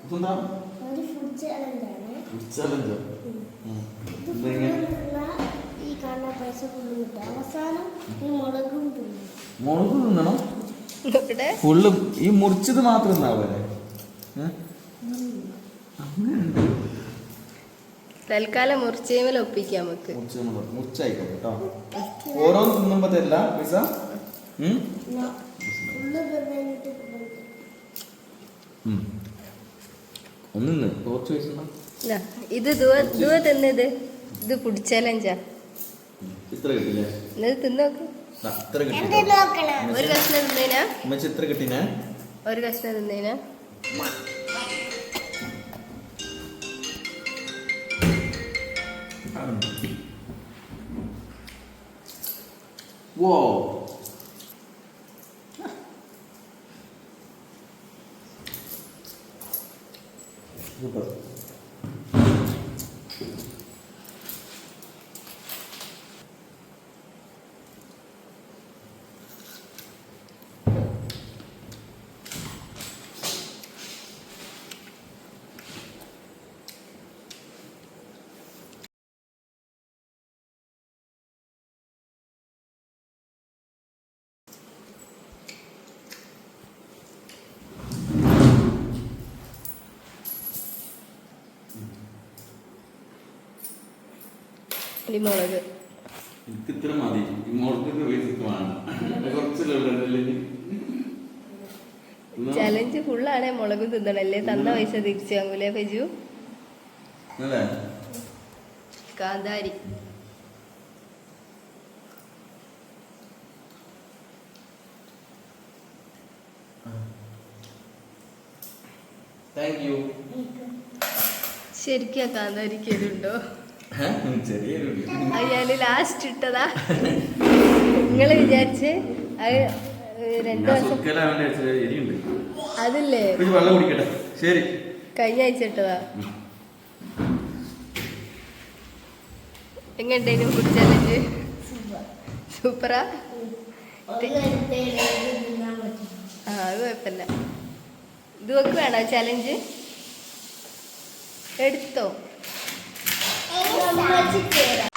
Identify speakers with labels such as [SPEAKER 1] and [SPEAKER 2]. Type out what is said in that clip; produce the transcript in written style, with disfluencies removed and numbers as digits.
[SPEAKER 1] മുളക് തിന്നണം ഫുള്ള് ഈ മുറിച്ചത് മാത്രം ഉണ്ടാവല്ലേ
[SPEAKER 2] തൽക്കാലം മുറിച്ചേമല ഒപ്പിക്കാം നമുക്ക്
[SPEAKER 1] മുറിച്ചായിക്കോട്ടെ കേട്ടോ ഓരോന്ന് തിന്നുമ്പോ തരില്ല പൈസ ഒന്ന് കുറച്ച് പൈസ
[SPEAKER 2] ഇത് തിന്നത് ഇത് ഫുഡ് ചലഞ്ചാ
[SPEAKER 1] ഇത്ര കിട്ടില്ലേ
[SPEAKER 2] തിന്നോക്ക് ഒരു കഷ്ണം തിന്നേനാ
[SPEAKER 1] ഇത്ര കിട്ടിനാ
[SPEAKER 2] ഒരു കഷ്ണം തിന്നേനാ
[SPEAKER 1] Wow. Super.
[SPEAKER 2] മുളക്
[SPEAKER 1] ഇത്ര മതി
[SPEAKER 2] ചലഞ്ച് ഫുള്ളാണേ മുളക് തിന്നണല്ലേ തന്ന പൈസ തിരിച്ചു വാങ്ങൂലേ ഫെജു കാന്താരി ശരിക്കും കാന്താരിക്ക് ഇതുണ്ടോ അയാള് ലാസ്റ്റ് ഇട്ടതാ നിങ്ങള് വിചാരിച്ച് അത് 2 ദിവസം അതില്ലേ കഴിഞ്ഞ ആഴ്ച ഇട്ടതാ എങ്ങനെയുണ്ടായിരുന്നു ഫുഡ് ചലഞ്ച് സൂപ്പറാ അത് കുഴപ്പമില്ല ഇത് ഒക്കെ വേണോ ചലഞ്ച് എടുത്തോ